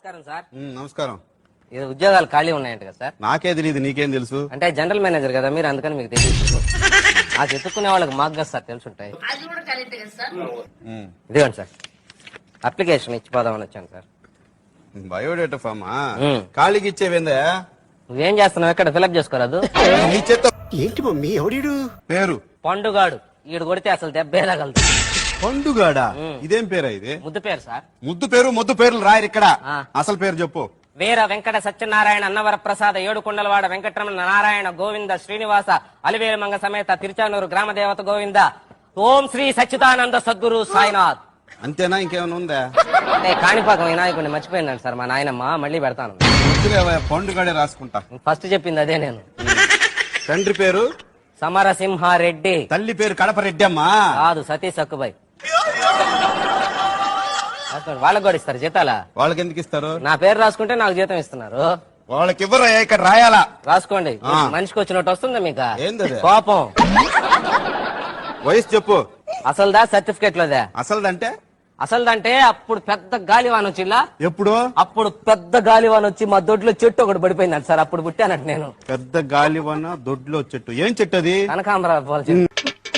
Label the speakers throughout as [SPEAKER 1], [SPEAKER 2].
[SPEAKER 1] నమస్కారం సార్.
[SPEAKER 2] నమస్కారం.
[SPEAKER 1] ఇది ఉద్యోగాలు ఖాళీ ఉన్నాయంట కదా సార్?
[SPEAKER 2] నాకే తెలియదు, నీకేం తెలుసు?
[SPEAKER 1] అంటే జనరల్ మేనేజర్ కదా మీరు, అందుకని మీకు తెలియదు. నాకు ఎత్తుక్కునే వాళ్ళకి మాకు కదా సార్ తెలుసుంటాయి. ఇదిగోండి సార్, అప్లికేషన్ ఇచ్చిపోదామని వచ్చాను సార్.
[SPEAKER 2] బయోడేటా ఫామా? ఖాళీకి ఇచ్చేవేందా?
[SPEAKER 1] నువ్వేం చేస్తున్నావు? ఎక్కడ ఫిలప్ చేసుకోరాదు?
[SPEAKER 2] నీ చేత
[SPEAKER 3] ఏంటి మమ్మీ ఎవడీడు?
[SPEAKER 2] పేరు
[SPEAKER 1] పండుగాడు. ఈడు కొడితే అసలు దెబ్బేదగలదు.
[SPEAKER 2] పండుగాడా? ఇదేం పేరా ఇది?
[SPEAKER 1] ముద్దు పేరు సార్.
[SPEAKER 2] ముద్దు పేరు ముద్దు పేర్లు రాయరు ఇక్కడ.
[SPEAKER 1] ఆ.
[SPEAKER 2] అసలు పేరు చెప్పు.
[SPEAKER 1] వీర వెంకట సత్యనారాయణ అన్నవర ప్రసాద ఏడుకొండలవాడ వెంకటరమణ నారాయణ గోవింద శ్రీనివాస అలివేలు మంగ సమేత తిరుచానూరు గ్రామ దేవత గోవింద ఓం శ్రీ సచ్చిదానంద సద్గురు సాయినాథ్.
[SPEAKER 2] అంతేనా? ఇంకేమైనా ఉందా?
[SPEAKER 1] అంటే కాణిపాకం వినాయకుడిని మర్చిపోయిందండి సార్ మా నాయనమ్మ. మళ్ళీ పెడతాను.
[SPEAKER 2] వద్దులేవయ్యా, పండుగాడే రాసుకుంటా.
[SPEAKER 1] ఫస్ట్ చెప్పింది అదే నేను.
[SPEAKER 2] తండ్రి పేరు
[SPEAKER 1] సమరసింహారెడ్డి.
[SPEAKER 2] తల్లి పేరు కడప రెడ్డమ్మా.
[SPEAKER 1] కాదు, సతీష్ సక్కుబాయ్. వాళ్ళకి కూడా ఇస్తారు జీతాలా?
[SPEAKER 2] వాళ్ళకి ఎందుకు ఇస్తారు?
[SPEAKER 1] నా పేరు రాసుకుంటే నాకు జీతం ఇస్తున్నారు.
[SPEAKER 2] వాళ్ళకి ఇవ్వరా? ఇక్కడ రాయాలా?
[SPEAKER 1] రాసుకోండి.
[SPEAKER 2] ఆ.
[SPEAKER 1] మనిషికి వచ్చినట్టు వస్తుందా మీకు?
[SPEAKER 2] ఏందది?
[SPEAKER 1] కోపం.
[SPEAKER 2] వయసు చెప్పు.
[SPEAKER 1] అసలుదా సర్టిఫికేట్ లోదా?
[SPEAKER 2] అసలుదంటే
[SPEAKER 1] అసలుదంటే అప్పుడు పెద్ద గాలివాన్ వచ్చిలా.
[SPEAKER 2] ఎప్పుడు?
[SPEAKER 1] అప్పుడు పెద్ద గాలివాన్ వచ్చి మా దొడ్లో చెట్టు ఒకటి పడిపోయిందంట సార్. అప్పుడు పుట్టానంట నేను.
[SPEAKER 2] పెద్ద గాలివన దొడ్లో చెట్టు. ఏం చెట్టు అది?
[SPEAKER 1] కనకాంబరావు పూల చెట్టు.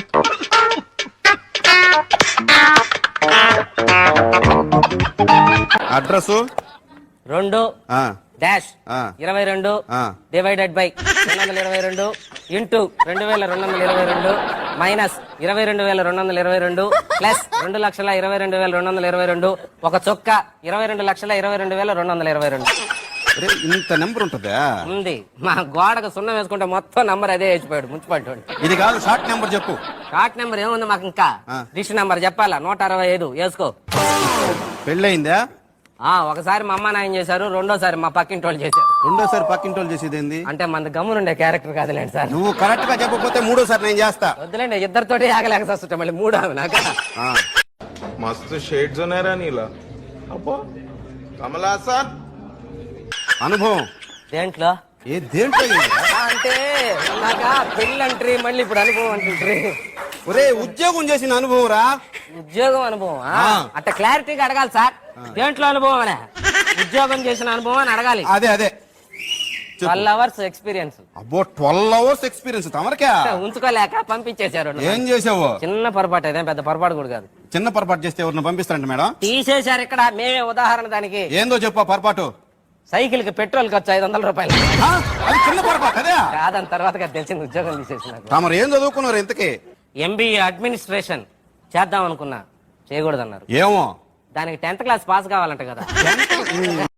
[SPEAKER 2] Address
[SPEAKER 1] 2 dash 22 divided by 222 into 2222 minus 22,222 plus 2,22,222 ఒక చొక్క 22,22,222
[SPEAKER 2] ఇంత నెంబర్ ఉంటదా?
[SPEAKER 1] ఉంది. మా గోడకు సున్నం వేసుకుంటే మొత్తం నంబర్ అదే వేసిపోయాడు మున్సిపాలిటీ.
[SPEAKER 2] ఇది కాదు, షార్ట్ నెంబర్ చెప్పు.
[SPEAKER 1] షార్ట్ నెంబర్ ఏముంది మాకు? ఇంకా డిష్ నెంబర్ చెప్పాలా? 165 వేసుకో.
[SPEAKER 2] పెళ్ళయిందా?
[SPEAKER 1] ఒకసారి మా అమ్మ నాయన చేశారు, రెండోసారి మా పక్కింటి వాళ్ళు చేశారు.
[SPEAKER 2] రెండోసారి పక్కింటోళ్ళు చేసేది ఏంది?
[SPEAKER 1] అంటే మన గమ్మునుండే క్యారెక్టర్ కాదులేండి సార్.
[SPEAKER 2] నువ్వు కరెక్ట్ గా చెప్పకపోతే మూడోసారి నేను చేస్తా.
[SPEAKER 1] వద్దులేండి, ఇద్దరితోటి ఆగలేక వస్తుంటా మళ్ళీ మూడు నాకు.
[SPEAKER 4] मस्त शेड्स नाही राणीला अप्पा कमला असा
[SPEAKER 2] అనుభవం
[SPEAKER 1] దేంట్లో?
[SPEAKER 2] దేంట్లో
[SPEAKER 1] అంటే నాక పెళ్ళంట్రీ మళ్ళీ ఇప్పుడు అనుభవం అంటుంట్రీ.
[SPEAKER 2] ఒరే, ఉద్యోగం చేసిన అనుభవం రా.
[SPEAKER 1] ఉద్యోగం అనుభవం అట్లా క్లారిటీగా అడగాలి సార్. దేంట్లో అనుభవం అనే? ఉద్యోగం చేసిన అనుభవం అని అడగాలి.
[SPEAKER 2] అదే అదే
[SPEAKER 1] 12 hours ఎక్స్పీరియన్స్.
[SPEAKER 2] అబ్బో, 12 hours ఎక్స్పీరియన్స్ తమరికా?
[SPEAKER 1] ఉంచుకోలేక పంపించేశారు.
[SPEAKER 2] ఏం చేసావు?
[SPEAKER 1] చిన్న పొరపాటు, అదేం పెద్ద పొరపాటు కూడా కాదు.
[SPEAKER 2] చిన్న పొరపాటు చేస్తే ఎవరిని పంపిస్తారంట మేడం?
[SPEAKER 1] తీసేశారు ఇక్కడ. మేమే ఉదాహరణ దానికి.
[SPEAKER 2] ఏందో చెప్పు పొరపాటు.
[SPEAKER 1] సైకిల్ కి పెట్రోల్ ఖర్చు 500 రూపాయలు.
[SPEAKER 2] అది చిన్న పొరపాటు అదే
[SPEAKER 1] కాదని తర్వాత తెలిసింది ఉద్యోగం తీసేసినారు.
[SPEAKER 2] తమరు ఏం చదువుకున్నారు ఇంతకీ?
[SPEAKER 1] MBA అడ్మినిస్ట్రేషన్ చేద్దాం అనుకున్నా, చేయకూడదన్నారు.
[SPEAKER 2] ఏమో,
[SPEAKER 1] దానికి 10th క్లాస్ పాస్ కావాలంట కదా.